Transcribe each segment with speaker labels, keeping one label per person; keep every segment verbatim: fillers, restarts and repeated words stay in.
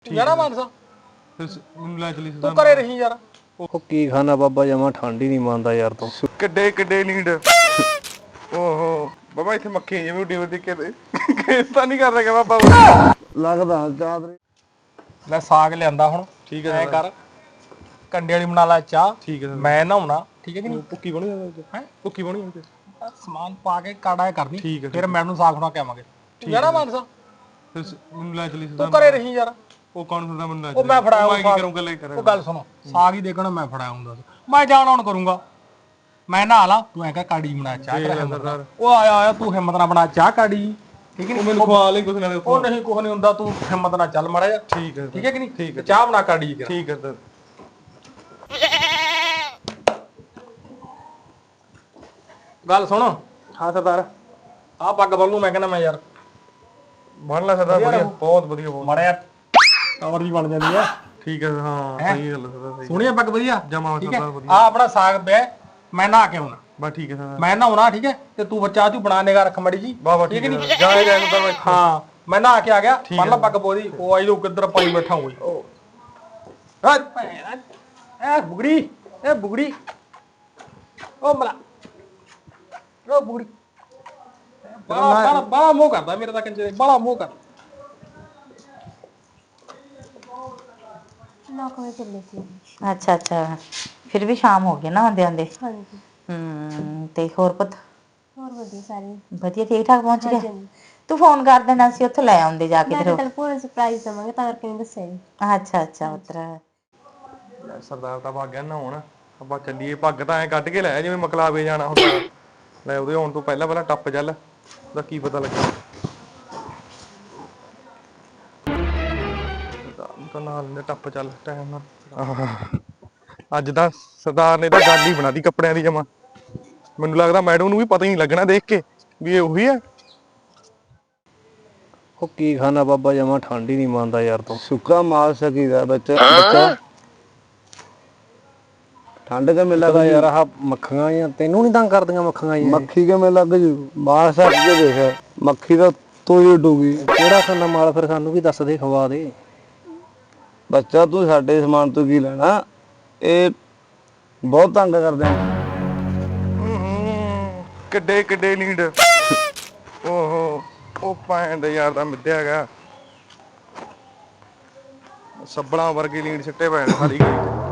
Speaker 1: ਜਾਣਾ ਮਾਨਸਾ
Speaker 2: ਮੈਨੂੰ ਲੈ ਚਲੀ
Speaker 1: ਤੂੰ ਘਰੇ ਰਹੀ ਯਾਰ।
Speaker 3: ਉਹ ਕੀ ਖਾਣਾ ਬਾਬਾ ਜਮਾ ਠੰਡ ਹੀ ਨਹੀਂ ਮੰਨਦਾ ਯਾਰ ਤੂੰ।
Speaker 2: ਕਿੱਡੇ ਕਿੱਡੇ ਲੀਡ ਓਹੋ ਬਾਬਾ ਇੱਥੇ ਮੱਖੀ ਜਿਵੇਂ ਉੱਡੀ ਉੱਡੀ ਕੇ ਕੇਸ ਤਾਂ ਨਹੀਂ ਕਰ ਰਿਹਾ ਬਾਬਾ
Speaker 3: ਲੱਗਦਾ ਚਾਦਰੇ
Speaker 1: ਲੈ ਸਾਗ ਲਿਆਂਦਾ ਹੁਣ।
Speaker 2: ਠੀਕ ਹੈ
Speaker 1: ਐ ਕਰ ਕੰਡੇ ਵਾਲੀ ਬਣਾ ਲੈ ਚਾਹ।
Speaker 2: ਠੀਕ ਹੈ
Speaker 1: ਮੈਂ ਨਹਾਉਣਾ ਠੀਕ ਹੈ ਕਿ ਨਹੀਂ।
Speaker 2: ਭੁੱਕੀ ਬਣੀ ਜਾਂਦੀ
Speaker 1: ਹੈ
Speaker 2: ਭੁੱਕੀ ਬਣੀ ਜਾਂਦੀ
Speaker 1: ਸਮਾਨ ਪਾ ਕੇ ਕਾੜਾ ਕਰਨੀ
Speaker 2: ਠੀਕ ਹੈ,
Speaker 1: ਫਿਰ ਮੈਨੂੰ ਸਾਗ ਖਵਾ ਕੇ ਆਵਾਂਗੇ। ਜਾਣਾ ਮਾਨਸਾ
Speaker 2: ਫਿਰ ਮੈਨੂੰ ਲੈ ਚਲੀ
Speaker 1: ਤੂੰ ਘਰੇ ਰਹੀ ਯਾਰ।
Speaker 2: ਉਹ ਕੌਣ ਫਿਰਦਾ ਮੈਨੂੰ ਲੈ
Speaker 1: ਉਹ ਮੈਂ ਫੜਾਇਆ
Speaker 2: ਮੈਂ ਕੀ ਕਰੂੰਗਾ ਲੈ ਕਰ
Speaker 1: ਉਹ ਗੱਲ ਸੁਣੋ ਸਾਗ ਹੀ ਦੇਖਣਾ ਮੈਂ ਫੜਾਇਆ ਹੁੰਦਾ ਮੈਂ ਜਾਣ ਆਉਣ ਕਰੂੰਗਾ। ਮੈਂ ਨਹਾ ਲਾ ਤੂੰ ਐ ਕਹ ਕਾੜੀ ਬਣਾ ਚਾਹ ਕਰ। ਉਹ ਆਇਆ ਆਇਆ ਤੂੰ ਹਿੰਮਤ ਨਾਲ ਬਣਾ ਚਾਹ ਕਾੜੀ ਠੀਕ ਹੈ।
Speaker 2: ਮੈਨੂੰ ਖਵਾ ਲੈ ਕੁਛ ਨਾਲੇ
Speaker 1: ਉਹ ਨਹੀਂ ਕੁਛ ਨਹੀਂ ਹੁੰਦਾ ਤੂੰ ਹਿੰਮਤ ਨਾਲ ਚੱਲ ਮਾੜਾ ਜਾ।
Speaker 2: ਠੀਕ ਹੈ
Speaker 1: ਠੀਕ ਹੈ ਕਿ ਨਹੀਂ।
Speaker 2: ਠੀਕ ਹੈ
Speaker 1: ਚਾਹ ਬਣਾ ਕਾੜੀ ਕਰ।
Speaker 2: ਠੀਕ ਹੈ ਸਰ
Speaker 1: ਗੱਲ ਸੁਣ
Speaker 2: ਹਾਂ ਸਰਦਾਰ
Speaker 1: ਆਹ ਪੱਗ ਬੰਨੂ ਮੈਂ ਕਹਿੰਦਾ ਮੈਂ ਯਾਰ
Speaker 2: ਬਣ ਲੈ ਸਰਦਾਰ ਵਧੀਆ ਬਹੁਤ ਵਧੀਆ ਬਹੁਤ
Speaker 1: ਮਾੜਾ ਯਾਰ ਕਵਰ ਵੀ ਬਣ ਜਾਂਦੀ ਆ।
Speaker 2: ਠੀਕ ਹੈ ਹਾਂ ਸਹੀ ਗੱਲ ਸਰਦਾਰ ਸਹੀ
Speaker 1: ਸੋਹਣੀ ਪੱਗ ਵਧੀਆ
Speaker 2: ਜਮਾ ਸਰਦਾਰ ਵਧੀਆ
Speaker 1: ਆ ਆਪਣਾ ਸਾਗ ਪਿਆ ਮੈਂ ਨਹਾ ਕੇ ਆਉਣਾ
Speaker 2: ਬਸ ਠੀਕ ਹੈ ਸਰਦਾਰ
Speaker 1: ਮੈਂ ਨਹਾਉਣਾ ਠੀਕ ਹੈ ਤੇ ਤੂੰ ਬੱਚਾ ਤੂੰ ਬਣਾ ਨਿਗਾ ਰੱਖ ਮੜੀ ਜੀ
Speaker 2: ਵਾਹ ਵਾਹ ਠੀਕ ਹੈ ਜਾਏ ਜਾਏ ਨੂੰ ਤਾਂ ਮੈਂ
Speaker 1: ਹਾਂ ਮੈਂ ਨਹਾ ਕੇ ਆ ਗਿਆ ਬੰਨ ਲਾ ਪੱਗ ਪੋਦੀ ਉਹ ਆਈ ਲੋ ਕਿੱਧਰ ਪਾਈ ਬੈਠਾ ਹੋਈ ਹਾਂ ਭੈਣਾ ਐ ਬੁਗੜੀ ਇਹ ਬੁਗੜੀ ਉਹ ਮਲਾ ਉਹ ਬੁਗੜੀ ਬੜਾ ਬੜਾ ਬੜਾ ਮੋਹ ਕਰਦਾ ਮੇਰੇ ਤਾਂ ਕੰਜੇ ਬੜਾ ਮੋਹ ਕਰਦਾ।
Speaker 4: ਅੱਛਾ ਅੱਛਾ ਫਿਰ ਵੀ ਸ਼ਾਮ ਹੋ ਗਈ ਨਾ ਆਂਦੇ ਆਂਦੇ।
Speaker 5: ਹਾਂਜੀ
Speaker 4: ਹੂੰ ਤੇ ਹੋਰ ਪੁੱਤ
Speaker 5: ਹੋਰ ਵਧੀਆ ਸਾਰੇ
Speaker 4: ਵਧੀਆ ਠੀਕ ਠਾਕ ਪਹੁੰਚ ਗਿਆ। ਤੂੰ ਫੋਨ ਕਰ ਦੇਣਾ ਸੀ ਉੱਥੇ ਲੈ ਆਉਂਦੇ ਜਾ ਕੇ
Speaker 5: ਮੈਂ
Speaker 4: ਫਿਰ।
Speaker 5: ਤਾਂ ਪੂਰਾ ਸਰਪ੍ਰਾਈਜ਼ ਦਵਾਂਗੇ ਤਾਂ ਕਰਕੇ ਨਹੀਂ ਦੱਸਿਆ ਜੀ।
Speaker 4: ਅੱਛਾ ਅੱਛਾ ਉਤਰਾ
Speaker 2: ਸਰਦਾਰ ਤਾਂ ਭੱਗ ਗਿਆ ਨਾ ਹੁਣ ਆਪਾਂ ਚੱਲੀਏ ਪੱਗ ਤਾਂ ਐ ਕੱਢ ਕੇ ਲੈ ਜਿਵੇਂ ਮਕਲਾਵੇ ਜਾਣਾ ਹੁੰਦਾ ਲੈ ਉਹਦੇ ਆਉਣ ਤੋਂ ਪਹਿਲਾਂ ਪਹਿਲਾਂ ਟੱਪ ਚੱਲ ਦਾ ਕੀ ਪਤਾ ਲੱਗਾ ਤਾਂ ਨਾਲ ਨੇ ਟੱਪ ਚੱਲ ਟਾਈਮ ਨਾਲ ਅੱਜ ਤਾਂ ਸਰਦਾਰ ਨੇ ਤਾਂ ਗੱਲ ਹੀ ਬਣਾਤੀ ਕੱਪੜਿਆਂ ਦੀ ਜਮਾ ਮੈਨੂੰ ਲੱਗਦਾ ਮੈਡਮ ਨੂੰ ਵੀ ਪਤਾ ਹੀ ਨਹੀਂ ਲੱਗਣਾ ਦੇਖ ਕੇ ਵੀ ਇਹ ਉਹੀ ਹੈ।
Speaker 3: ਉਹ ਕੀ ਖਾਣਾ ਬਾਬਾ ਜਮਾ ਠੰਡ ਹੀ ਨਹੀਂ ਮੰਨਦਾ ਯਾਰ ਤੂੰ। ਸੁੱਕਾ ਮਾਲ ਸਕੀਦਾ ਬੱਚਾ ਬੱਚਾ ਠੰਡ ਕਿਵੇਂ ਲੱਗਦਾ ਯਾਰ। ਆਹ ਮੱਖੀਆਂ ਆ ਤੈਨੂੰ ਨਹੀਂ ਤੰਗ ਕਰਦੀਆਂ ਮੱਖੀਆਂ ਜੀ। ਮੱਖੀ ਕਿਵੇਂ ਲੱਗ ਜੂ ਮਾਲ ਸੱਕ ਕੇ ਦੇਖ ਮੱਖੀ ਦਾ ਤੂੰ ਹੀ ਡੂਗੀ। ਕਿਹੜਾ ਖਾਣਾ ਮਾਲ ਫਿਰ ਸਾਨੂੰ ਵੀ ਦੱਸ ਦੇ ਖਵਾ ਦੇ। ਬੱਚਾ ਤੂੰ ਸਾਡੇ ਸਮਾਨ ਤੋਂ ਕੀ ਲੈਣਾ ਇਹ ਬਹੁਤ ਤੰਗ ਕਰਦੇ ਆ।
Speaker 2: ਕਿੱਡੇ ਕਿੱਡੇ ਲੀਡ ਓਹੋ ਉਹ ਭੈਣ ਦੇ ਯਾਰ ਦਾ ਮਿੱਧਿਆ ਹੈਗਾ ਸੱਬਲਾਂ ਵਰਗੇ ਲੀਡ ਸਿੱਟੇ ਪਏ ਨੇ ਸਾਰੀ ਗਲੀ ਚ।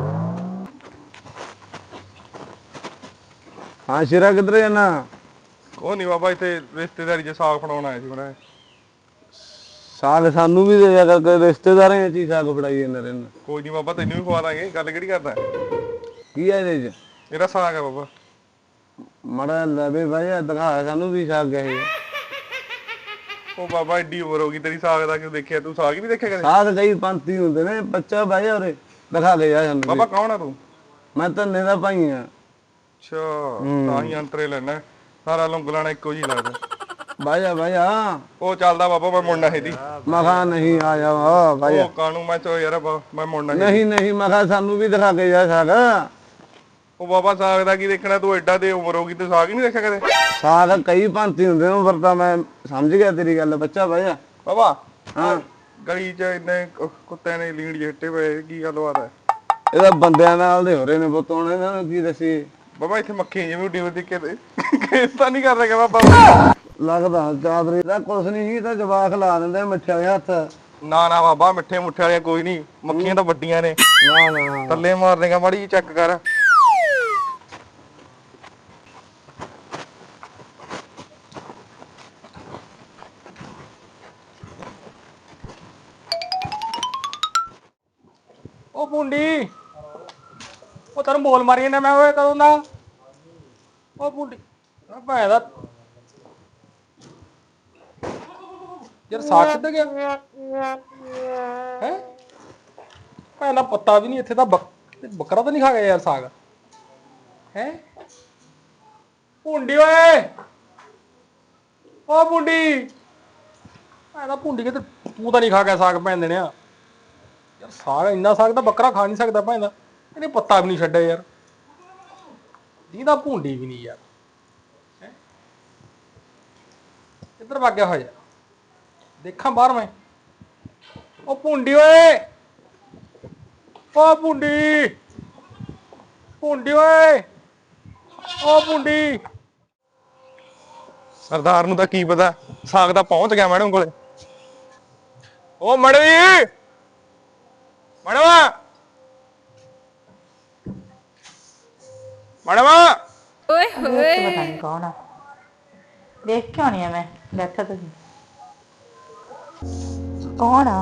Speaker 3: ਹਾਂ ਸ਼ੇਰਾ ਕਿੱਧਰ ਜਾਣਾ।
Speaker 2: ਉਹ ਨਹੀਂ ਬਾਬਾ ਇੱਥੇ ਰਿਸ਼ਤੇਦਾਰੀ ਚ ਸਾਗ ਫੜਾਉਣ ਆਇਆ ਸੀ ਮੈਂ
Speaker 3: ਸਾਗ ਸਾਨੂੰ ਵੀ ਦੇ ਜਾ ਕਰ ਰਿਸ਼ਤੇਦਾਰਾਂ ਚ ਹੀ ਸਾਗ ਫੜਾਈ ਜਾਂਦੇ ਰਹਿੰਦੇ।
Speaker 2: ਕੋਈ ਨਹੀਂ ਬਾਬਾ ਤੈਨੂੰ ਵੀ ਖਵਾ ਦਾਂਗੇ ਗੱਲ ਕਿਹੜੀ ਕਰਦਾ
Speaker 3: ਕੀ ਹੈ ਇਹਦੇ ਚ
Speaker 2: ਇਹਦਾ ਸਾਗ ਹੈ ਬਾਬਾ
Speaker 3: ਮੜਾ ਲਵੇ ਭਾਈ ਦਿਖਾ ਸਾਨੂੰ ਵੀ ਸਾਗ ਹੈ।
Speaker 2: ਉਹ ਬਾਬਾ ਏਡੀ ਉਮਰ ਹੋ ਗਈ ਤੇਰੀ ਸਾਗ ਦਾ ਕਿਉਂ ਦੇਖਿਆ ਤੂੰ ਸਾਗ ਹੀ ਨਹੀਂ ਦੇਖਿਆ ਕਦੇ
Speaker 3: ਸਾਗ ਕਈ ਪੰਥੀ ਹੁੰਦੇ ਨੇ ਬੱਚਾ ਭਾਈ ਉਰੇ ਦਿਖਾ ਕੇ ਜਾ ਸਾਨੂੰ।
Speaker 2: ਬਾਬਾ ਕੌਣ ਆ ਤੂੰ
Speaker 3: ਮੈਂ ਧੰਨੇ ਦਾ ਭਾਈ ਆ।
Speaker 2: ਅੱਛਾ ਤਾਂ ਹੀ ਅੰਤਰੇ ਲੈਣਾ ਸਾਰਾ ਲੰਗਲਾਣਾ ਇੱਕੋ ਜੀ ਲੱਗਦਾ
Speaker 3: ਬਾਜਾ ਬਾਜਾ
Speaker 2: ਉਹ ਚੱਲਦਾ ਬਾਬਾ ਮੈਂ ਮੁੰਡਾ ਇਹਦੀ
Speaker 3: ਮਖਾ ਨਹੀਂ ਆ ਜਾ ਬਾਜਾ
Speaker 2: ਉਹ ਕਾਣੂ ਮੈਂ ਚੋ ਯਾਰ ਮੈਂ ਮੁੰਡਾ
Speaker 3: ਨਹੀਂ ਨਹੀਂ ਮਖਾ ਸਾਨੂੰ ਵੀ ਦਿਖਾ ਕੇ ਜਾ ਸਾਗ।
Speaker 2: ਉਹ ਬਾਬਾ ਸਾਗ ਦਾ ਕੀ ਦੇਖਣਾ ਤੂੰ ਐਡਾ ਤੇ ਉਮਰ ਹੋ ਗਈ ਤੂੰ ਸਾਗ ਹੀ ਨਹੀਂ ਦੇਖਿਆ ਕਦੇ
Speaker 3: ਸਾਗ ਕਈ ਪੰਥੀ ਹੁੰਦੇ ਨੇ ਪਰ ਤਾਂ ਮੈਂ ਸਮਝ ਗਿਆ ਤੇਰੀ ਗੱਲ ਬੱਚਾ ਬਾਜਾ।
Speaker 2: ਬਾਬਾ
Speaker 3: ਹਾਂ
Speaker 2: ਗਲੀ ਚ ਇੰਨੇ ਕੁੱਤਿਆਂ ਨੇ ਲੀੜ ਜਿਹੇ ਪਏ ਕੀ ਗੱਲਬਾਤ ਹੈ।
Speaker 3: ਇਹਦਾ ਬੰਦਿਆਂ ਨਾਲ ਦੇ ਹੋ ਰਹੇ ਨੇ ਪੁੱਤ ਹੁਣ ਇਹਨਾਂ ਨੂੰ ਕੀ ਦੱਸੀ।
Speaker 2: ਬਾਬਾ ਇੱਥੇ ਮੱਖੀ ਜਿਵੇਂ ਉੱਡੀ ਉੱਡੀ ਕੇ ਕੇਸ ਤਾਂ ਨਹੀਂ ਕਰ ਰਿਹਾ ਬਾਬਾ
Speaker 3: ਲੱਗਦਾ ਚਾਦਰੇ ਦਾ ਕੁਛ ਨਹੀਂ ਸੀ ਤਾਂ ਜਵਾਕ ਲਾ ਦਿੰਦੇ ਮਿੱਠੇ ਵਾਲੇ ਹੱਥ।
Speaker 2: ਨਾ ਨਾ ਬਾਬਾ ਮਿੱਠੇ ਮੁੱਠੇ ਵਾਲੀਆਂ ਕੋਈ ਨਹੀਂ ਮੱਖੀਆਂ ਤਾਂ ਵੱਡੀਆਂ ਨੇ
Speaker 3: ਨਾ ਨਾ
Speaker 2: ਥੱਲੇ ਮਾਰ ਦੇਗਾ ਮਾੜੀ ਜੀ ਚੈੱਕ ਕਰ।
Speaker 1: ਉਹ ਪੁੰਡੀ ਉਹ ਤੈਨੂੰ ਬੋਲ ਮਾਰੀ ਜਾਂਦਾ ਮੈਂ ਓਏ ਕਦੋਂ ਦਾ ਉਹ ਪੁੰਡੀ ਆ ਭੈਣ ਦਾ ਯਾਰ ਸਾਗ ਕਿੱਥੇ ਗਿਆ ਹੈ ਭੈਣ ਦਾ ਪੱਤਾ ਵੀ ਨਹੀਂ ਇੱਥੇ ਤਾਂ ਬੱਕਰਾ ਤਾਂ ਨਹੀਂ ਖਾ ਗਿਆ ਯਾਰ ਸਾਗ ਹੈ ਪੁੰਡੀ ਓਏ ਉਹ ਪੁੰਡੀ ਭੈਣ ਦਾ ਪੁੰਡੀ ਕਿਤੇ ਤੂੰ ਤਾਂ ਨਹੀਂ ਖਾ ਗਿਆ ਸਾਗ ਭੈਣ ਦੇਣਿਆ ਯਾਰ ਸਾਗ ਇੰਨਾ ਸਾਗ ਤਾਂ ਬੱਕਰਾ ਖਾ ਨਹੀਂ ਸਕਦਾ ਭੈਣ ਦਾ ਇਹਨੇ ਪੱਤਾ ਵੀ ਨਹੀਂ ਛੱਡਿਆ ਯਾਰ ਦੀਦਾ ਭੁੰਡੀ ਵੀ ਨਹੀਂ ਯਾਰ ਹੈ ਇੱਧਰ ਵਗ ਗਿਆ ਹੋਇਆ ਦੇਖਾਂ ਬਾਹਰ ਮੈਂ ਉਹ ਭੁੰਡੀ ਓਏ, ਓ ਭੁੰਡੀ, ਭੁੰਡੀ ਓਏ, ਓ ਭੁੰਡੀ।
Speaker 2: ਸਰਦਾਰ ਨੂੰ ਤਾਂ ਕੀ ਪਤਾ, ਸਾਗ ਤਾਂ ਪਹੁੰਚ ਗਿਆ ਮੈਡਮ ਕੋਲੇ। ਓ ਮੈਡਮ ਜੀ, ਮੈਡਮ ਮੈਡਮ
Speaker 4: ਦੇਖ ਕੇ ਪਤਾ ਨਹੀਂ ਕੌਣ ਆ। ਦੇਖ ਕਿਉਂ ਨਹੀਂ ਆ ਮੈਂ ਬੈਠਾ, ਤੁਸੀਂ ਕੌਣ ਆ?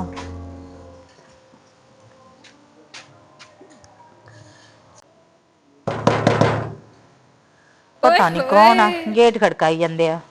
Speaker 4: ਪਤਾ ਨਹੀਂ ਕੌਣ ਆ, ਗੇਟ ਖੜਕਾਈ ਜਾਂਦੇ ਆ।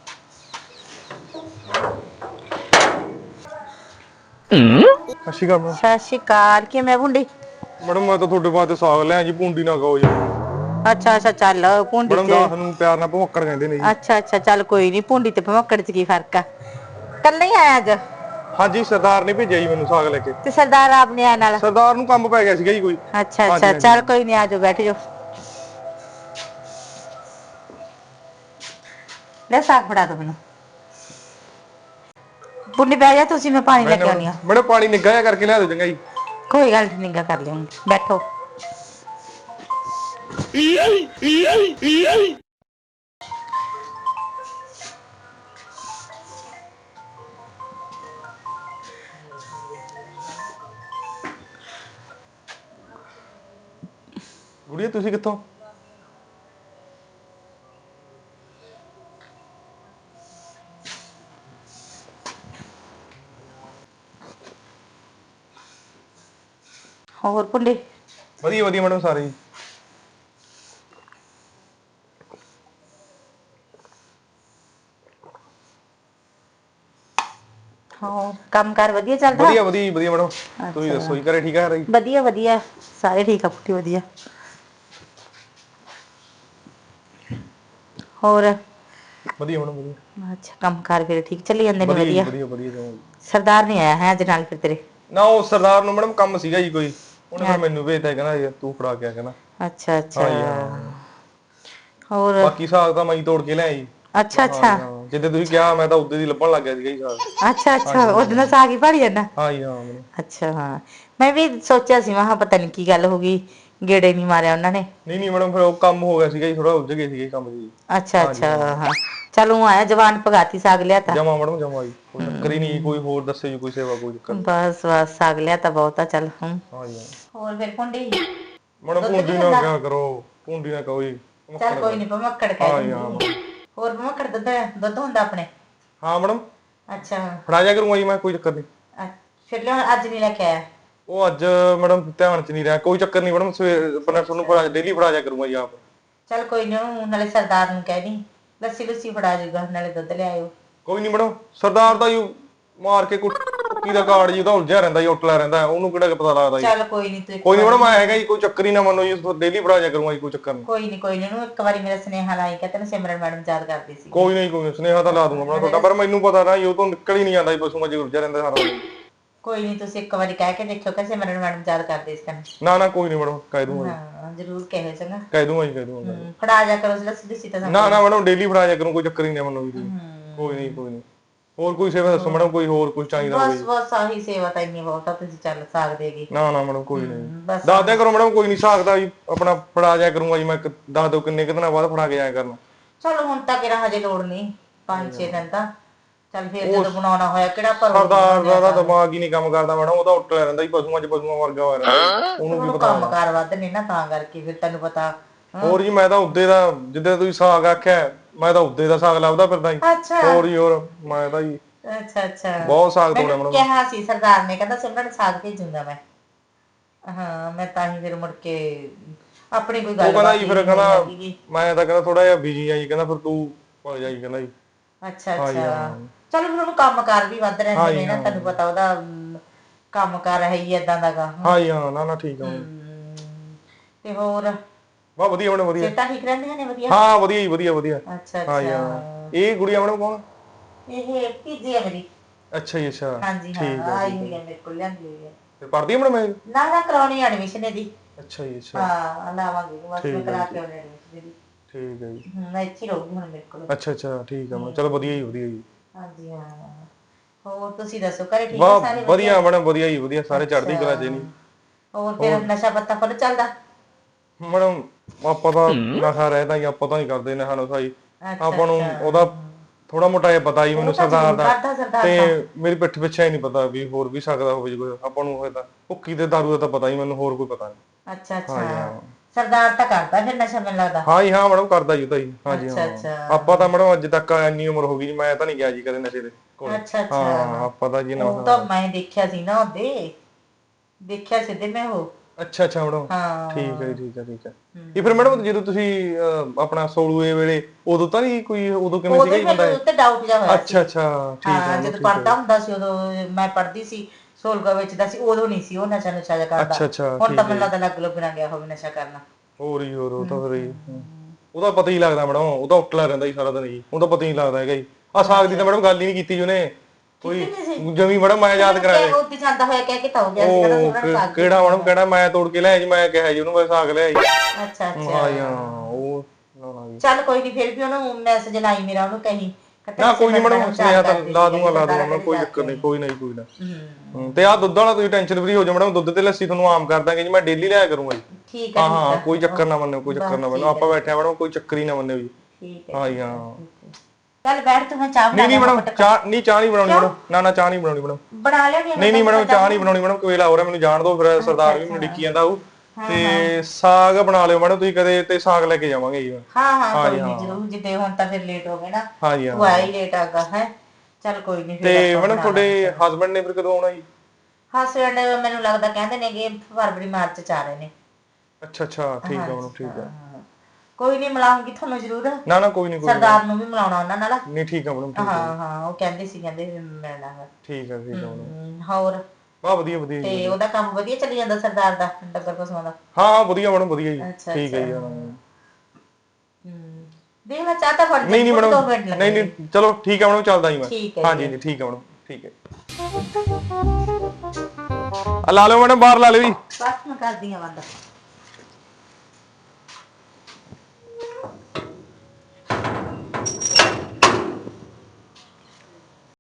Speaker 2: ਅੱਛੀ ਗੱਲ
Speaker 4: ਸਤਿ ਸ਼੍ਰੀ ਅਕਾਲ, ਕਿਵੇਂ ਭੁੰਡੀ?
Speaker 2: ਮੈਡਮ ਮੈਂ ਤਾਂ ਤੁਹਾਡੇ ਵਾਸਤੇ ਸਾਗ ਲਿਆ ਜੀ, ਭੁੰਡੀ ਨਾ ਖਾਓ ਜੀ।
Speaker 4: ਅੱਛਾ ਅੱਛਾ, ਚੱਲ ਭੁੰਡੀ
Speaker 2: ਮੈਡਮ
Speaker 4: ਚ।
Speaker 2: ਦਾਸ ਨੂੰ ਪਿਆਰ ਨਾਲ ਭਮੱਕੜ ਕਹਿੰਦੇ ਨੇ ਜੀ।
Speaker 4: ਅੱਛਾ ਅੱਛਾ, ਚੱਲ ਕੋਈ ਨਹੀਂ, ਭੁੰਡੀ ਤੇ ਭਮੱਕੜ ਚ ਕੀ ਫਰਕ ਆ। ਕੱਲ ਹੀ ਆਇਆ ਅੱਜ?
Speaker 2: ਹਾਂਜੀ ਸਰਦਾਰ ਨੇ ਭੇਜਿਆ ਜੀ ਮੈਨੂੰ ਸਾਗ ਲੈ ਕੇ।
Speaker 4: ਤੇ ਸਰਦਾਰ ਆਪ ਨੇ ਆਇਆ ਨਾਲ?
Speaker 2: ਸਰਦਾਰ ਨੂੰ ਕੰਮ ਪੈ ਗਿਆ ਸੀਗਾ ਜੀ ਕੋਈ।
Speaker 4: ਅੱਛਾ
Speaker 2: ਹਾਂਜੀ
Speaker 4: ਅੱਛਾ,
Speaker 2: ਹਾਂਜੀ
Speaker 4: ਚੱਲ ਕੋਈ ਨਹੀਂ, ਆ ਜਾਓ ਬੈਠ ਜਾਓ। ਲੈ ਸਾਗ ਫੜਾ ਦੋ ਮੈਨੂੰ। ਭੁੰਡੀ ਬਹਿ ਜਾ ਤੁਸੀਂ, ਮੈਂ ਪਾਣੀ ਲੈ ਕੇ ਆਉਣੀ ਆ।
Speaker 2: ਮੈਡਮ ਪਾਣੀ ਨਿੱਘਾ ਜਿਹਾ ਕਰਕੇ ਲਿਆ ਦਿਓ ਚੰਗਾ ਜੀ।
Speaker 4: ਕੋਈ ਗੱਲ ਨਹੀਂ, ਨਿੱਘਾ ਕਰ ਲਿਆਉਂਗੀ, ਬੈਠੋ।
Speaker 2: ਗੁੜੀਆ ਤੁਸੀਂ ਕਿੱਥੋਂ?
Speaker 4: ਹੋਰ ਭੁੰਡੀ?
Speaker 2: ਵਧੀਆ ਵਧੀਆ ਮੈਡਮ ਸਾਰੇ ਜੀ।
Speaker 4: ਹੋਰ ਕੰਮ ਕਾਰ ਵਧੀਆ ਚੱਲਦਾ?
Speaker 2: ਵਧੀਆ ਵਧੀਆ ਜੀ ਵਧੀਆ ਮੈਡਮ। ਤੁਸੀਂ ਦੱਸੋ ਜੀ, ਘਰੇ ਠੀਕ ਆ ਰਹੀ?
Speaker 4: ਵਧੀਆ ਵਧੀਆ, ਸਾਰੇ ਠੀਕ ਆ ਪੁੱਠੀ, ਵਧੀਆ। ਹੋਰ?
Speaker 2: ਵਧੀਆ ਮੈਡਮ ਵਧੀਆ।
Speaker 4: ਅੱਛਾ, ਕੰਮ ਕਾਰ ਫਿਰ ਠੀਕ ਚੱਲੀ ਜਾਂਦੇ ਨੇ?
Speaker 2: ਵਧੀਆ ਜੀ
Speaker 4: ਵਧੀਆ।
Speaker 2: ਵਧੀਆ ਵਧੀਆ ਜਮਾਂ।
Speaker 4: ਸਰਦਾਰ ਨਹੀਂ ਆਇਆ ਹੈ ਅੱਜ ਨਾਲ ਫਿਰ ਤੇਰੇ?
Speaker 2: ਨਾ ਉਹ ਸਰਦਾਰ ਨੂੰ ਮੈਡਮ ਕੰਮ ਸੀਗਾ ਜੀ ਕੋਈ, ਉਹਨੇ ਫਿਰ ਮੈਨੂੰ ਭੇਜਤਾ, ਕਹਿੰਦਾ ਯਾਰ ਤੂੰ ਫੜਾ ਕੇ ਆ, ਕਹਿੰਦਾ।
Speaker 4: ਅੱਛਾ ਅੱਛਾ।
Speaker 2: ਹਾਂਜੀ ਹਾਂ।
Speaker 4: ਹੋਰ?
Speaker 2: ਬਾਕੀ ਸਾਗ ਤਾਂ ਮੈਂ ਹੀ ਤੋੜ ਕੇ ਲਿਆ ਜੀ।
Speaker 4: ਅੱਛਾ ਅੱਛਾ।
Speaker 2: ਹਾਂਜੀ ਹਾਂ, ਜਿੱਦਾਂ ਤੁਸੀਂ ਕਿਹਾ ਮੈਂ ਤਾਂ ਉਦੋਂ ਦੀ ਲੱਭਣ ਲੱਗ ਗਿਆ ਸੀਗਾ ਜੀ ਸਾਗ।
Speaker 4: ਅੱਛਾ ਅੱਛਾ,
Speaker 2: ਹਾਂਜੀ
Speaker 4: ਉਹਦੇ ਨਾਲ ਸਾਗ ਹੀ ਭਾਲੀ ਜਾਂਦਾ?
Speaker 2: ਹਾਂਜੀ ਹਾਂ ਮੈਡਮ।
Speaker 4: ਅੱਛਾ ਹਾਂ, ਮੈਂ ਵੀ ਸੋਚਿਆ ਸੀ, ਮੈਂ ਕਿਹਾ ਪਤਾ ਨੀ ਕੀ ਗੱਲ ਹੋ ਗਈ, ਗੇੜੇ ਨੀ ਮਾਰਿਆ ਉਹਨਾਂ ਨੇ।
Speaker 2: ਨਹੀਂ ਨਹੀਂ ਮੈਡਮ, ਫਿਰ ਉਹ ਕੰਮ ਹੋ ਗਿਆ ਸੀਗਾ ਜੀ, ਥੋੜਾ ਉਲਝ ਗਏ ਸੀਗੇ ਕੰਮ ਜੀ।
Speaker 4: ਅੱਛਾ
Speaker 2: ਹਾਂਜੀ
Speaker 4: ਅੱਛਾ
Speaker 2: ਹਾਂ।
Speaker 4: ਹਾਂ, ਚੱਲ ਊਂ ਆਇਆ ਜਵਾਨ ਪਗਾਤੀ, ਸਾਗ ਲਿਆ ਤਾ।
Speaker 2: ਜਮਾ ਮੈਡਮ ਜਮਾ ਜੀ, ਕੋਈ ਚੱਕਰ ਹੀ ਨਹੀਂ, ਕੋਈ ਹੋਰ ਦੱਸੇ ਜੀ ਕੋਈ ਸੇਵਾ, ਕੋਈ ਚੱਕਰ ਨੀ।
Speaker 4: ਬਸ ਬਸ, ਸਾਗ ਲਿਆ ਤਾਂ ਬਹੁਤ ਆ, ਚੱਲ ਹੁਣ।
Speaker 2: ਹਾਂਜੀ ਹਾਂ।
Speaker 4: ਹੋਰ ਫਿਰ ਭੁੰਡੀ?
Speaker 2: ਮੈਡਮ
Speaker 4: ਦੁੱਧ ਨੀ
Speaker 2: ਭੁੰਡੀ ਨਾ
Speaker 4: ਦਿੰਦਾ?
Speaker 2: ਕਿਆ ਕਰੋ, ਭੁੰਡੀ ਨਾ ਕਹੋ ਜੀ।
Speaker 4: ਚੱਲ
Speaker 2: ਭਮੱਕੜ
Speaker 4: ਕੋਈ
Speaker 2: ਕਰੋ।
Speaker 4: ਨੀ, ਭਮੱਕੜ ਕਹਿ
Speaker 2: ਹਾਂਜੀ ਹਾਂ
Speaker 4: ਦੂੰਗੀ।
Speaker 2: ਮੈਡਮ।
Speaker 4: ਹੋਰ ਭਮੱਕੜ ਦੁੱਧ ਦੁੱਧ ਹੁੰਦਾ ਆਪਣੇ?
Speaker 2: ਹਾਂ ਮੈਡਮ,
Speaker 4: ਅੱਛਾ।
Speaker 2: ਫੜਾ ਜਾ ਕਰੂੰਗਾ ਜੀ ਮੈਂ, ਕੋਈ ਚੱਕਰ ਨੀ।
Speaker 4: ਅੱਛਾ, ਫਿਰ ਲਿਆ ਅੱਜ ਨਹੀਂ ਲੈ ਕੇ ਆਇਆ?
Speaker 2: ਉਹ ਅੱਜ ਮੈਡਮ ਧਿਆਨ ਚ ਨਹੀਂ ਰਿਹਾ, ਕੋਈ ਚੱਕਰ ਨੀ ਮੈਡਮ, ਸਵੇਰ
Speaker 4: ਅੱਛਾ
Speaker 2: ਤੁਹਾਨੂੰ
Speaker 4: ਅੱਛਾ।
Speaker 2: ਡੇਲੀ ਫੜਾ ਜਾ ਕਰੂੰਗਾ ਜੀ ਆਪ।
Speaker 4: ਚੱਲ ਕੋਈ ਨੀ, ਉਹਨੂੰ ਨਾਲੇ ਸਰਦਾਰ ਨੂੰ ਕਹਿ ਦੀ ਲੱਸੀ ਲੁੱਸੀ ਫੜਾ ਜੂਗਾ, ਨਾਲੇ ਦੁੱਧ ਲਿਆਇਓ।
Speaker 2: ਕੋਈ ਨੀ ਮੈਡਮ, ਸਰਦਾਰ ਦਾ ਜੀ ਮਾਰ ਕੇ ਕੁੱਕੀ ਦਾ ਕਾਰਡ ਜੀ ਉਹਦਾ ਉਲਝਿਆ ਰਹਿੰਦਾ ਜੀ, ਉੱਟਲਾ ਰਹਿੰਦਾ, ਉਹਨੂੰ ਕਿਹੜਾ ਪਤਾ ਲੱਗਦਾ ਜੀ।
Speaker 4: ਚੱਲ ਕੋਈ ਨੀ, ਤੂੰ ਇੱਕ
Speaker 2: ਕੋਈ ਨੀ ਮੈਡਮ,
Speaker 4: ਵਾਰੀ
Speaker 2: ਮੈਂ ਹੈਗਾ ਜੀ, ਕੋਈ ਚੱਕਰ ਹੀ ਨਾ ਮੰਨੋ ਜੀ, ਡੇਲੀ ਫੜਾ ਜਾ ਕਰੂੰਗਾ ਜੀ, ਕੋਈ ਚੱਕਰ ਨੀ।
Speaker 4: ਕੋਈ ਨੀ ਕੋਈ ਨੀ, ਉਹਨੂੰ ਇੱਕ ਵਾਰੀ ਮੇਰਾ ਸੁਨੇਹਾ ਲਾਈ, ਕਿ ਤੈਨੂੰ ਸਿਮਰਨ ਮੈਡਮ ਯਾਦ ਕਰਦੀ ਸੀਗੀ।
Speaker 2: ਕੋਈ ਨਹੀਂ ਕੋਈ ਨੀ, ਸੁਨੇਹਾ ਤਾਂ ਲਾ ਦੂੰਗਾ ਮੈਂ ਤੁਹਾਡਾ, ਪਰ ਮੈਨੂੰ ਪਤਾ ਨਾ ਜੀ, ਉਹ ਤੋਂ ਨਿਕਲ ਹੀ ਨਹੀਂ ਜਾਂਦਾ ਜੀ, ਪਸ਼ੂਆਂ ਚ ਉਲਝਿਆ ਰਹਿੰਦਾ ਸਾਰਾ ਦਿਨ।
Speaker 4: ਕੋਈ ਨੀ, ਤੁਸੀਂ ਇੱਕ ਵਾਰੀ ਕਹਿ ਕੇ ਦੇਖਿਓ ਕਿ ਸਿਮਰਨ ਮੈਡਮ ਯਾਦ ਕਰਦੇ ਸੀ ਤੈਨੂੰ।
Speaker 2: ਨਾ ਨਾ ਕੋਈ ਨੀ ਮੈਡਮ, ਕਹਿ ਦੂੰਗਾ ਜੀ।
Speaker 4: ਹਾਂ ਜ਼ਰੂਰ ਕਹਿਓ, ਚੰਗਾ।
Speaker 2: ਕਹਿ ਦੂੰਗਾ ਜੀ, ਕਹਿ ਦੂੰਗਾ।
Speaker 4: ਹੂੰ, ਫੜਾ ਜਾ ਕਰੋ ਲੱਸੀ ਲੁੱਸੀ ਤਾਂ ਸਾਨੂੰ
Speaker 2: ਨਾ ਨਾ
Speaker 4: ਰੋਜ਼।
Speaker 2: ਮੈਡਮ, ਡੇਲੀ ਫੜਾ ਜਾ ਕਰੂੰ, ਕੋਈ ਚੱਕਰ ਹੀ ਨਹੀਂ ਮੈਨੂੰ ਜੀ।
Speaker 4: ਹੂੰ।
Speaker 2: ਕੋਈ ਨੀ ਕੋਈ ਨੀ, ਹੋਰ ਕੋਈ ਸੇਵਾ ਦੱਸੋ ਮੈਡਮ, ਕੋਈ ਹੋਰ ਕੁਝ ਚਾਹੀਦਾ ਹੋਵੇ
Speaker 4: ਬਸ
Speaker 2: ਜੀ।
Speaker 4: ਬਸ, ਆਹੀ ਸੇਵਾ ਤਾਂ ਇੰਨੀ ਬਹੁਤ ਆ, ਤੁਸੀਂ ਚੱਲ ਸਾਗ ਦੇ ਗਏ।
Speaker 2: ਨਾ ਨਾ ਮੈਡਮ, ਕੋਈ ਨੀ,
Speaker 4: ਹੂੰ ਬਸ
Speaker 2: ਦੱਸ
Speaker 4: ਆਹ
Speaker 2: ਦਿਆ ਕਰੋ ਮੈਡਮ, ਕੋਈ ਨੀ, ਹਿਸਾਬ ਦਾ ਜੀ ਆਪਣਾ ਫੜਾ ਜਾਇਆ ਕਰੂੰਗਾ ਜੀ ਮੈਂ, ਦੱਸ ਦਿਓ ਕਿੰਨੇ ਕੁ ਦਿਨਾਂ ਬਾਅਦ ਫੜਾ ਕੇ ਜਾਇਆ ਕਰਨਾ।
Speaker 4: ਚਲੋ ਹੁਣ ਤਾਂ ਕਿਹੜਾ ਹਜੇ ਲੋੜ ਨਹੀਂ, ਪੰਜ ਛੇ ਦਿਨ ਤਾਂ ਚੱਲ, ਫੇਰ
Speaker 2: ਉਹ
Speaker 4: ਜਦੋਂ ਬਣਾਉਣਾ ਹੋਇਆ ਕਿਹੜਾ ਆਪਾਂ ਰੋਜ਼ ਹੀ
Speaker 2: ਸਰਦਾਰ
Speaker 4: ਬਣਾਉਂਦੇ ਆ
Speaker 2: ਦਾ ਤਾਂ
Speaker 4: ਸਾਗ।
Speaker 2: ਦਿਮਾਗ ਹੀ ਨਹੀਂ ਕੰਮ ਕਰਦਾ ਮੈਡਮ, ਉਹਦਾ ਉੱਟਿਆ ਰਹਿੰਦਾ ਜੀ, ਪਸ਼ੂਆਂ ਚ ਪਸ਼ੂਆਂ ਵਰਗਾ ਹੋਇਆ ਰਹਿੰਦਾ,
Speaker 4: ਤੇ
Speaker 2: ਉਹਨੂੰ ਕੀ
Speaker 4: ਉਹਨੂੰ
Speaker 2: ਪਤਾ
Speaker 4: ਕੰਮ
Speaker 2: ਲੱਗਦਾ।
Speaker 4: ਕਾਰ ਵੱਧ ਨੇ ਨਾ, ਤਾਂ ਕਰਕੇ ਫਿਰ ਤੈਨੂੰ ਪਤਾ। ਹਾਂ
Speaker 2: ਹੋਰ ਜੀ, ਮੈਂ ਤਾਂ ਉਦੇ ਦਾ ਜਿੱਦਾਂ ਤੁਸੀਂ ਸਾਗ ਆਖਿਆ, ਮੈਂ ਤਾਂ ਉਦੇ ਦਾ ਸਾਗ ਲੱਭਦਾ ਫਿਰਦਾ ਜੀ।
Speaker 4: ਅੱਛਾ
Speaker 2: ਹੋਰ ਜੀ ਹੋਰ, ਮੈਂ ਤਾਂ ਜੀ
Speaker 4: ਅੱਛਾ ਅੱਛਾ,
Speaker 2: ਬਹੁਤ ਸਾਗ ਤੋੜਿਆ
Speaker 4: ਮੈਨੂੰ
Speaker 2: ਮੈਡਮ।
Speaker 4: ਕਿਹਾ ਸੀ ਸਰਦਾਰ ਨੇ, ਕਹਿੰਦਾ ਸਿਮਰਨ ਸਾਗ ਭੇਜੂਗਾ ਮੈਂ। ਹਾਂ, ਮੈਂ ਤਾਂ ਹੀ ਫਿਰ ਮੁੜ ਕੇ ਆਪਣੀ ਕੋਈ
Speaker 2: ਉਹ ਕਹਿੰਦਾ
Speaker 4: ਗੱਲਬਾਤ
Speaker 2: ਜੀ,
Speaker 4: ਹੀ
Speaker 2: ਫਿਰ
Speaker 4: ਨਹੀਂ ਹੋਈ
Speaker 2: ਕਹਿੰਦਾ
Speaker 4: ਹੈਗੀ ਗੀ।
Speaker 2: ਮੈਂ ਤਾਂ ਕਹਿੰਦਾ ਥੋੜਾ ਜਿਹਾ ਬਿਜੀ ਆ ਜੀ, ਕਹਿੰਦਾ ਫਿਰ ਤੂੰ ਭਗ ਜਾਈ, ਕਹਿੰਦਾ ਜੀ।
Speaker 4: ਅੱਛਾ
Speaker 2: ਹਾਂਜੀ
Speaker 4: ਅੱਛਾ,
Speaker 2: ਹਾਂ।
Speaker 4: ਚਲ ਫਿਰ ਉਹਨੂੰ ਕੰਮ ਕਾਰ ਵੀ ਵੱਧ ਰਹਿੰਦੇ
Speaker 2: ਹਾਂਜੀ
Speaker 4: ਨੇ ਨਾ,
Speaker 2: ਹਾਂ।
Speaker 4: ਤੈਨੂੰ ਪਤਾ ਉਹਦਾ ਕੰਮ ਕਾਰ ਹੈ ਹੀ ਏਦਾਂ ਦਾ ਗਾ।
Speaker 2: ਹਾਂਜੀ ਹਾਂ, ਨਾ ਨਾ ਠੀਕ ਆ ਮੈਡਮ।
Speaker 4: ਹੂੰ, ਤੇ ਹੋਰ
Speaker 2: ਬਸ ਵਧੀਆ ਮੈਡਮ ਵਧੀਆ।
Speaker 4: ਸਿਹਤਾਂ ਠੀਕ ਰਹਿੰਦੀਆਂ ਨੇ? ਵਧੀਆ।
Speaker 2: ਹਾਂ ਵਧੀਆ ਜੀ, ਵਧੀਆ ਵਧੀਆ।
Speaker 4: ਅੱਛਾ
Speaker 2: ਹਾਂਜੀ
Speaker 4: ਅੱਛਾ,
Speaker 2: ਹਾਂ, ਇਹ ਗੁੜੀਆ ਮੈਡਮ ਕੌਣ?
Speaker 4: ਇਹ ਭਤੀਜੀ ਆ ਮੇਰੀ।
Speaker 2: ਅੱਛਾ ਜੀ ਅੱਛਾ,
Speaker 4: ਹਾਂਜੀ ਹਾਂ,
Speaker 2: ਠੀਕ ਆ
Speaker 4: ਆਈ
Speaker 2: ਠੀਕ ਆ
Speaker 4: ਹੋਈ
Speaker 2: ਜੀ।
Speaker 4: ਆ ਮੇਰੇ ਕੋਲ, ਲਿਆਂਦੀ ਹੋਈ ਆ।
Speaker 2: ਫਿਰ ਪੜ੍ਹਦੀ ਆ ਮੈਡਮ ਇਹ?
Speaker 4: ਨਾ ਨਾ, ਕਰਾਉਣੀ ਆ ਐਡਮਿਸ਼ਨ ਇਹਦੀ।
Speaker 2: ਅੱਛਾ ਜੀ ਅੱਛਾ,
Speaker 4: ਹਾਂ, ਲਾਵਾਂਗੇ ਬਸ, ਮੈਂ
Speaker 2: ਠੀਕ ਆ ਜੀ
Speaker 4: ਕਰਾ ਕੇ
Speaker 2: ਠੀਕ,
Speaker 4: ਆਉਣੀ ਐਡਮਿਸ਼ਨ ਇਹਦੀ।
Speaker 2: ਠੀਕ ਹੈ ਜੀ।
Speaker 4: ਹੂੰ, ਇੱਥੇ ਰਹੂਗੀ ਹੁਣ ਮੇਰੇ ਕੋਲ।
Speaker 2: ਅੱਛਾ ਅੱਛਾ, ਠੀਕ ਆ ਮੈਡਮ, ਚਲੋ ਵਧੀਆ ਜੀ ਵਧੀਆ ਜੀ।
Speaker 4: ਹਾਂਜੀ ਹਾਂ, ਹੋਰ ਤੁਸੀਂ ਦੱਸੋ ਘਰੇ ਠੀਕ ਆ
Speaker 2: ਵਾਹ
Speaker 4: ਸਾਰੇ?
Speaker 2: ਵਧੀਆ ਮੈਡਮ ਵਧੀਆ ਜੀ ਵਧੀਆ ਸਾਰੇ ਚੜ੍ਹਦੀ ਕਲਾ ਚ ਨਹੀਂ
Speaker 4: ਹੋਰ ਫਿਰ ਨਸ਼ਾ ਪੱਤਾ ਫੁੱਲ ਚੱਲਦਾ?
Speaker 2: ਮੈਡਮ ਆਪਾਂ ਤਾਂ ਨਸ਼ਾ ਰਹਿਦਾ ਜੀ ਆਪਾਂ ਤਾਂ ਨਹੀਂ ਕਰਦੇ ਨਸ਼ਾ ਨੁਸ਼ਾ ਜੀ ਆਪਾਂ ਨੂੰ ਉਹਦਾ ਥੋੜਾ ਮੋਟਾ ਜਿਹਾ ਪਤਾ ਜੀ ਮੈਨੂੰ ਸਰਦਾਰ ਦਾ
Speaker 4: ਕਰਦਾ ਸਰਦਾਰ
Speaker 2: ਤੇ ਮੇਰੀ ਪਿੱਠ ਪਿੱਛੇ ਹੀ ਨਹੀਂ ਪਤਾ ਵੀ ਹੋਰ ਵੀ ਸਕਦਾ ਹੋਵੇ ਜੀ ਕੋਈ ਆਪਾਂ ਨੂੰ ਹੋਇਆ ਭੁੱਕੀ ਤੇ ਦਾਰੂ ਦਾ ਤਾਂ ਪਤਾ ਹੀ ਮੈਨੂੰ ਹੋਰ ਕੋਈ ਪਤਾ ਨਹੀਂ।
Speaker 4: ਅੱਛਾ ਅੱਛਾ ਸਰਦਾਰ ਤਾਂ ਕਰਦਾ ਫਿਰ ਨਸ਼ਾ ਮੈਨੂੰ ਲੱਗਦਾ?
Speaker 2: ਹਾਂ ਜੀ ਹਾਂ ਮੈਡਮ ਕਰਦਾ ਜੀ ਤਾਂ ਜੀ ਹਾਂ ਜੀ
Speaker 4: ਅੱਛਾ
Speaker 2: ਹਾਂ
Speaker 4: ਅੱਛਾ
Speaker 2: ਆਪਾਂ ਤਾਂ ਮੈਡਮ ਅੱਜ ਤੱਕ ਇੰਨੀ ਉਮਰ ਹੋ ਗਈ ਮੈਂ ਤਾਂ ਨਹੀਂ ਗਿਆ ਜੀ ਕਦੇ ਨਸ਼ੇ ਦੇ ਕੋਲ।
Speaker 4: ਅੱਛਾ ਅੱਛਾ
Speaker 2: ਹਾਂ ਆਪਾਂ ਤਾਂ ਜੀ ਨਾ
Speaker 4: ਉਹ ਤਾਂ ਮੈਂ ਦੇਖਿਆ ਸੀ ਨਾ ਉਹਦੇ ਦੇਖਿਆ ਸੀ ਤੇ ਮੈਂ ਉਹ
Speaker 2: ਅੱਛਾ ਅੱਛਾ ਮੈਡਮ
Speaker 4: ਹਾਂ
Speaker 2: ਠੀਕ ਹੈ ਜੀ ਠੀਕ ਹੈ ਠੀਕ ਹੈ ਇਹ ਫਿਰ ਮੈਡਮ ਜਦੋਂ ਤੁਸੀਂ ਅਹ, ਆਪਣਾ ਸੋਲੂਏ ਵੇਲੇ ਉਦੋਂ ਤਾਂ ਨਹੀਂ ਕੋਈ ਉਦੋਂ ਕਿਵੇਂ ਸੀਗਾ
Speaker 4: ਉਹਦੇ
Speaker 2: ਜੀ ਬੰਦਾ
Speaker 4: ਮੈਨੂੰ ਉੱਤੇ ਡਾਊਟ ਜਾ ਹੋਇਆ ਸੀ।
Speaker 2: ਅੱਛਾ ਅੱਛਾ ਠੀਕ ਹੈ
Speaker 4: ਹਾਂ
Speaker 2: ਮੈਡਮ
Speaker 4: ਜਦੋਂ
Speaker 2: ਠੀਕ ਹੈ
Speaker 4: ਪੜਦਾ ਹੁੰਦਾ ਸੀ ਉਦੋਂ ਮੈਂ ਪੜਦੀ ਸੀ ਸੋਲਗਾ ਵਿੱਚ ਦਾ ਸੀ ਉਦੋਂ ਨਹੀਂ ਸੀ ਉਹ ਨਸ਼ਾ ਨੁਸ਼ਾ ਜਿਹਾ ਕਰਦਾ।
Speaker 2: ਅੱਛਾ ਅੱਛਾ
Speaker 4: ਹੁਣ
Speaker 2: ਠੀਕ
Speaker 4: ਤਾਂ
Speaker 2: ਹੈ
Speaker 4: ਮੈਨੂੰ ਲੱਗਦਾ ਲੱਗ ਲੱਗਣਾ ਗਿਆ ਹੋਵੇ ਨਸ਼ਾ ਕਰਨਾ।
Speaker 2: ਹੋਰ ਹੀ ਹੋਰ ਉਹ ਤਾਂ ਫਿਰ ਹੀ ਉਹਦਾ ਪਤਾ ਹੀ ਲੱਗਦਾ ਮੈਡਮ ਉਹ ਤਾਂ ਉੱਟਲਾ ਰਹਿੰਦਾ ਜੀ ਸਾਰਾ ਦਿਨ ਜੀ ਉਹਦਾ ਪਤਾ ਹੀ ਨਹੀਂ ਲੱਗਦਾ ਹੈਗਾ ਜੀ ਆਹ ਸਾਗ ਦੀ ਤਾਂ ਮੈਡਮ ਗੱਲ ਹੀ ਨਹੀਂ ਕੀਤੀ ਜੀ ਉਹਨੇ ਕੋਈ ਜਮੀ ਮੈਡਮ ਮੈਂ ਯਾਦ ਕਰਾਇਆ
Speaker 4: ਉਹ ਤੇ ਜਾਂਦਾ ਹੋਇਆ ਕਹਿ ਕੇ ਤਾਂ ਹੋ ਗਿਆ ਸੀ ਕਹਿੰਦਾ
Speaker 2: ਉਹ
Speaker 4: ਸੋਹਣਾ ਸਾਗ
Speaker 2: ਕਿਹੜਾ ਮੈਡਮ ਕਿਹੜਾ ਮੈਂ ਤੋੜ ਕੇ ਲਿਆਇਆ ਜੀ ਮੈਂ ਕਿਹਾ ਜੀ ਉਹਨੂੰ ਮੈਂ ਸਾਗ ਲਿਆ ਜੀ
Speaker 4: ਅੱਛਾ ਅੱਛਾ
Speaker 2: ਹਾਂ ਜੀ ਹਾਂ ਉਹ ਨਾ ਨਾ ਜੀ
Speaker 4: ਚੱਲ ਕੋਈ ਨਹੀਂ ਫਿਰ ਵੀ ਉਹਨੂੰ ਮੈਸੇਜ ਲਾਈ ਮੇਰਾ ਉਹਨੂੰ ਕਹੀਂ
Speaker 2: ਨਾ ਕੋਈ ਨਹੀਂ ਮੈਡਮ ਸੁਨੇਹਾ ਤਾਂ ਲਾ ਦੂੰਗਾ ਲਾ ਦੂੰਗਾ ਮੈਂ ਕੋਈ ਚੱਕਰ ਨਹੀਂ ਕੋਈ ਨਹੀਂ ਕੋਈ ਨਾ ਹੂੰ, ਤੇ ਆਹ ਦੁੱਧ ਵਾਲਾ ਤੁਸੀਂ ਟੈਨਸ਼ਨ ਫਰੀ ਹੋ ਜਾਓ ਮੈਡਮ ਦੁੱਧ ਤੇ ਲੱਸੀ ਤੁਹਾਨੂੰ ਆਮ ਕਰ ਦਾਂਗੇ ਜੀ ਮੈਂ ਡੇਲੀ ਲਿਆ ਕਰੂੰਗਾ ਜੀ
Speaker 4: ਠੀਕ ਹੈ
Speaker 2: ਹਾਂ
Speaker 4: ਠੀਕ
Speaker 2: ਹਾਂ
Speaker 4: ਹੈ
Speaker 2: ਕੋਈ ਚੱਕਰ ਨਾ ਮੰਨਿਓ ਕੋਈ ਚੱਕਰ ਨਾ ਮੰਨਿਓ ਆਪਾਂ ਬੈਠੇ ਆ ਮੈਡਮ ਕੋਈ ਚੱਕਰ ਹੀ ਨਾ ਮੰਨਿਓ ਜੀ
Speaker 4: ਠੀਕ ਹੈ
Speaker 2: ਹਾਂ ਜੀ ਹਾਂ
Speaker 4: ਚੱਲ ਬੈਠ ਤੂੰ ਮੈਂ ਚਾਹ
Speaker 2: ਨਹੀਂ ਨਹੀਂ
Speaker 4: ਬਣਾ
Speaker 2: ਮੈਡਮ ਚਾਹ ਨਹੀਂ ਚਾਹ ਨਹੀਂ ਬਣਾਉਣੀ ਮੈਡਮ ਨਾ ਨਾ ਚਾਹ ਨਹੀਂ ਬਣਾਉਣੀ ਮੈਡਮ
Speaker 4: ਬਣਾ ਲਿਆ
Speaker 2: ਨਹੀਂ ਨਹੀਂ ਮੈਡਮ ਚਾਹ ਨਹੀਂ ਬਣਾਉਣੀ ਮੈਡਮ ਕੋਇਲਾ ਹੋ ਰਿਹਾ ਮੈਨੂੰ ਜਾਣ ਦਿਓ ਫਿਰ ਸਰਦਾਰ ਵੀ ਮੈਨੂੰ ਡਿੱਕੀ ਜਾਂਦਾ ਉਹ ਤੇ ਸਾਗ ਬਣਾ ਲਿਓ ਮੈਡਮ ਤੁਸੀਂ ਕਦੇ ਤੇ ਸਾਗ ਲੈ ਕੇ ਜਾਵਾਂਗੇ ਜੀ
Speaker 4: ਹਾਂ ਹਾਂ ਕੋਈ ਨਹੀਂ ਜ਼ਰੂਰ ਜਿੱਦੇ ਹੁਣ ਤਾਂ ਫਿਰ ਲੇਟ ਹੋ ਗਏ ਨਾ
Speaker 2: ਹਾਂ ਜੀ
Speaker 4: ਤੂੰ
Speaker 2: ਹਾਂ
Speaker 4: ਆਈ ਲੇਟ ਆਗਾ ਹੈ ਚੱਲ ਕੋਈ ਨਹੀਂ ਫਿਰ
Speaker 2: ਤੇ ਮੈਡਮ ਤੁਹਾਡੇ ਹਸਬੰਡ ਨੇ ਫਿਰ ਕਦੋਂ ਆਉਣਾ ਜੀ
Speaker 4: ਹਸਬੰਡ ਮੈਨੂੰ ਲੱਗਦਾ ਕਹਿੰਦੇ ਨੇ ਕਿ ਫਰਵਰੀ ਮਾਰਚ ਚ ਆ ਰਹੇ ਨੇ।
Speaker 2: ਅੱਛਾ ਅੱਛਾ ਠੀਕ ਹੈ ਮੈਡਮ ਠੀਕ ਹੈ
Speaker 4: ਕੋਈ ਨਹੀਂ ਮਿਲਾਉਂਗੀ ਤੁਹਾਨੂੰ ਜ਼ਰੂਰ
Speaker 2: ਨਾ ਨਾ ਕੋਈ ਨਹੀਂ ਕੋਈ
Speaker 4: ਸਰਦਾਰ ਨੂੰ ਵੀ ਮਿਲਾਉਣਾ ਉਹਨਾਂ ਨਾਲ
Speaker 2: ਨਹੀਂ ਠੀਕ ਹੈ ਮੈਡਮ ਠੀਕ
Speaker 4: ਹਾਂ ਹਾਂ ਉਹ ਕਹਿੰਦੇ ਸੀ ਕਹਿੰਦੇ ਵੀ ਮਿਲਣਾ ਹੈ
Speaker 2: ਠੀਕ ਹੈ ਠੀਕ ਹੈ ਮੈਡਮ
Speaker 4: ਹਮ, ਹੋਰ
Speaker 2: ਵਾਹ ਵਧੀਆ ਵਧੀਆ ਜੀ
Speaker 4: ਤੇ ਉਹਦਾ ਕੰਮ ਵਧੀਆ ਚੱਲੀ ਜਾਂਦਾ ਸਰਦਾਰ ਦਾ ਡੱਗਰ ਪਸ਼ੂਆਂ ਦਾ?
Speaker 2: ਹਾਂ ਹਾਂ ਵਧੀਆ ਮੈਡਮ ਵਧੀਆ ਜੀ
Speaker 4: ਅੱਛਾ
Speaker 2: ਠੀਕ ਹੈ ਜੀ ਹਾਂ
Speaker 4: ਹਮ ਦੇਖ ਮੈਂ ਚਾਹਤਾ ਫੜ
Speaker 2: ਨਹੀਂ ਨਹੀਂ
Speaker 4: ਦੋ
Speaker 2: ਮੈਡਮ
Speaker 4: ਮਿੰਟ
Speaker 2: ਨਹੀਂ ਨਹੀਂ ਚਲੋ ਠੀਕ ਹੈ ਮੈਡਮ ਚੱਲਦਾ ਜੀ ਮੈਂ
Speaker 4: ਠੀਕ ਹੈ
Speaker 2: ਹਾਂ ਜੀ ਜੀ ਠੀਕ ਹੈ ਮੈਡਮ ਠੀਕ ਹੈ ਆ ਲਾ ਲਓ ਮੈਡਮ ਬਾਹਰ ਲਾ ਲਿਓ ਜੀ
Speaker 4: ਬਸ ਮੈਂ ਕਰਦੀ ਆ ਬੰਦ।